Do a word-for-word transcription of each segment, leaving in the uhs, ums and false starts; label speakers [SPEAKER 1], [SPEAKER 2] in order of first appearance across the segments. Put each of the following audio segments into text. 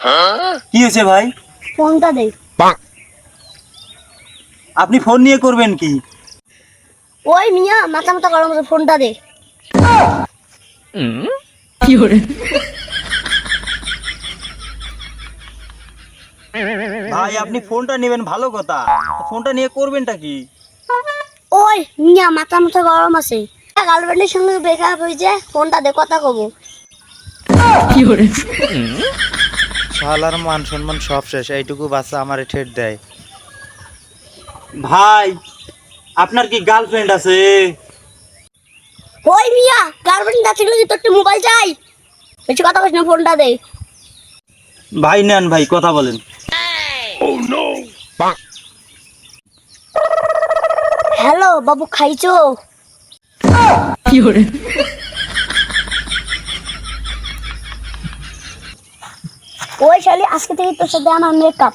[SPEAKER 1] কি হয়েছে ভাই?
[SPEAKER 2] ফোনটা দে।
[SPEAKER 1] আপনি ফোন নিয়ে করবেন কি?
[SPEAKER 2] ওই মিয়া মাথা মাথা গরম আছে, ফোনটা দে।
[SPEAKER 3] কি করে?
[SPEAKER 1] ভাই আপনি ফোনটা নেবেন ভালো কথা, ফোনটা নিয়ে করবেনটা কি?
[SPEAKER 2] ওই মিয়া মাথা মাথা গরম আছে, গার্লফ্রেন্ডের সঙ্গে ব্রেকআপ হয়েছে, ফোনটা দে, কথা কব।
[SPEAKER 3] কি করে?
[SPEAKER 4] শালার মান সম্মান সব শেষ, এইটুকু বাচ্চা আমারে ঠেট দেয়।
[SPEAKER 1] ভাই আপনার কি গার্লফ্রেন্ড আছে?
[SPEAKER 2] ওই মিয়া গার্লফ্রেন্ড আছে কি তোর মোবাইল চাই? বেশি কথা বলিস না, ফোনটা দে।
[SPEAKER 1] ভাই নেন ভাই, কথা বলেন।
[SPEAKER 2] হ্যালো বাবু, খাইছো?
[SPEAKER 3] কি করে?
[SPEAKER 2] ওই শালি আজকে থেকে তোর সাথে আমার মেকআপ।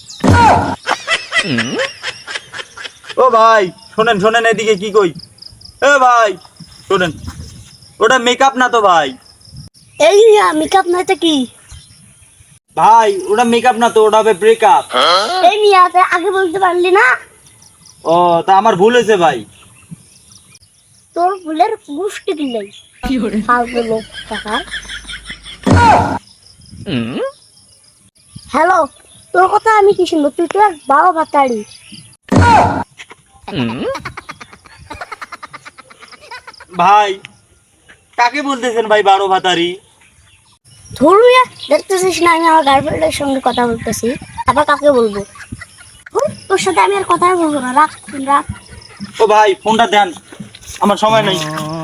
[SPEAKER 1] ও ভাই শোনেন শোনেন, এদিকে কি কই। এ ভাই শোনেন, ওটা মেকআপ না তো ভাই।
[SPEAKER 2] এই মিয়া মেকআপ নয় তো কি?
[SPEAKER 1] ভাই ওটা মেকআপ না তো, ওটা হবে ব্রেকআপ।
[SPEAKER 2] এই মিয়া তুই আগে বলতে পারলি না?
[SPEAKER 1] ও তা আমার ভুল হয়েছে ভাই।
[SPEAKER 2] তোর ভুলের গুষ্টি দিলাই।
[SPEAKER 3] কি করে?
[SPEAKER 2] ফালতু লোক টাকা। হ্যালো, তোর কথা আমি কি শুনবো? তুই তো এক বাবা বাতাড়ি।
[SPEAKER 1] ভাই কাকে বলতেছেন ভাই বারো ভাতারি?
[SPEAKER 2] ধরুয়া দেখতেছিস না আমি আমার গার্লফ্রেন্ডের সঙ্গে কথা বলতেছি, আবার কাকে বলবো? হুঁ, তোর সাথে আমি আর কথা বলবো না, রাখ রাখ।
[SPEAKER 1] ও ভাই ফোনটা দেন, আমার সময় নেই।